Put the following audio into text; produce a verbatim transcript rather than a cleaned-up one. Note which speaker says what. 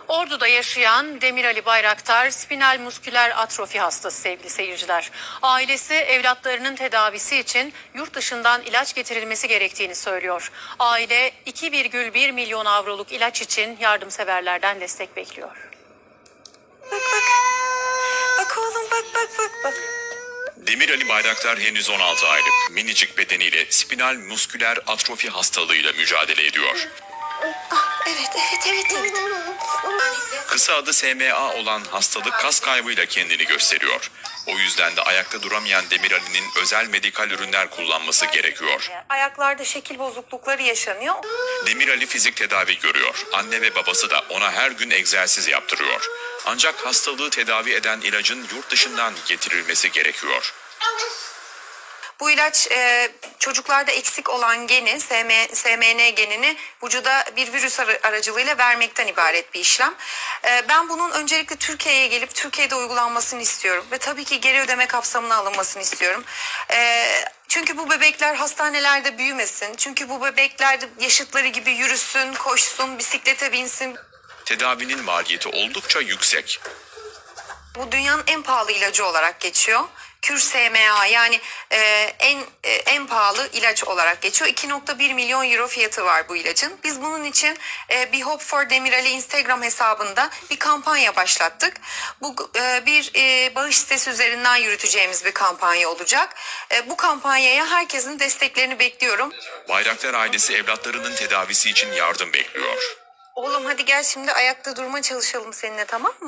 Speaker 1: Ordu'da yaşayan Demir Ali Bayraktar spinal musküler atrofi hastası sevgili seyirciler. Ailesi evlatlarının tedavisi için yurt dışından ilaç getirilmesi gerektiğini söylüyor. Aile iki virgül bir milyon avroluk ilaç için yardımseverlerden destek bekliyor.
Speaker 2: Bak bak. Bak oğlum bak bak bak bak.
Speaker 3: Demir Ali Bayraktar henüz on altı aylık, minicik bedeniyle spinal musküler atrofi hastalığıyla mücadele ediyor.
Speaker 2: Ah, evet evet evet evet.
Speaker 3: Kısa adı S M A olan hastalık kas kaybıyla kendini gösteriyor. O yüzden de ayakta duramayan Demir Ali'nin özel medikal ürünler kullanması gerekiyor.
Speaker 2: Ayaklarda şekil bozuklukları yaşanıyor.
Speaker 3: Demir Ali fizik tedavi görüyor. Anne ve babası da ona her gün egzersiz yaptırıyor. Ancak hastalığı tedavi eden ilacın yurt dışından getirilmesi gerekiyor.
Speaker 2: Bu ilaç e, çocuklarda eksik olan geni, S M N genini vücuda bir virüs aracılığıyla vermekten ibaret bir işlem. E, ben bunun öncelikle Türkiye'ye gelip Türkiye'de uygulanmasını istiyorum. Ve tabii ki geri ödeme kapsamına alınmasını istiyorum. E, çünkü bu bebekler hastanelerde büyümesin. Çünkü bu bebekler yaşıtları gibi yürüsün, koşsun, bisiklete binsin.
Speaker 3: Tedavinin maliyeti oldukça yüksek.
Speaker 2: Bu dünyanın en pahalı ilacı olarak geçiyor. Kür S M A yani e, en e, en pahalı ilaç olarak geçiyor. iki nokta bir milyon euro fiyatı var bu ilacın. Biz bunun için e, bir Hope for Demir Ali Instagram hesabında bir kampanya başlattık. Bu e, bir e, bağış sitesi üzerinden yürüteceğimiz bir kampanya olacak. E, bu kampanyaya herkesin desteklerini bekliyorum.
Speaker 3: Bayraktar ailesi evlatlarının tedavisi için yardım bekliyor.
Speaker 2: Oğlum hadi gel şimdi ayakta durma çalışalım seninle, tamam mı?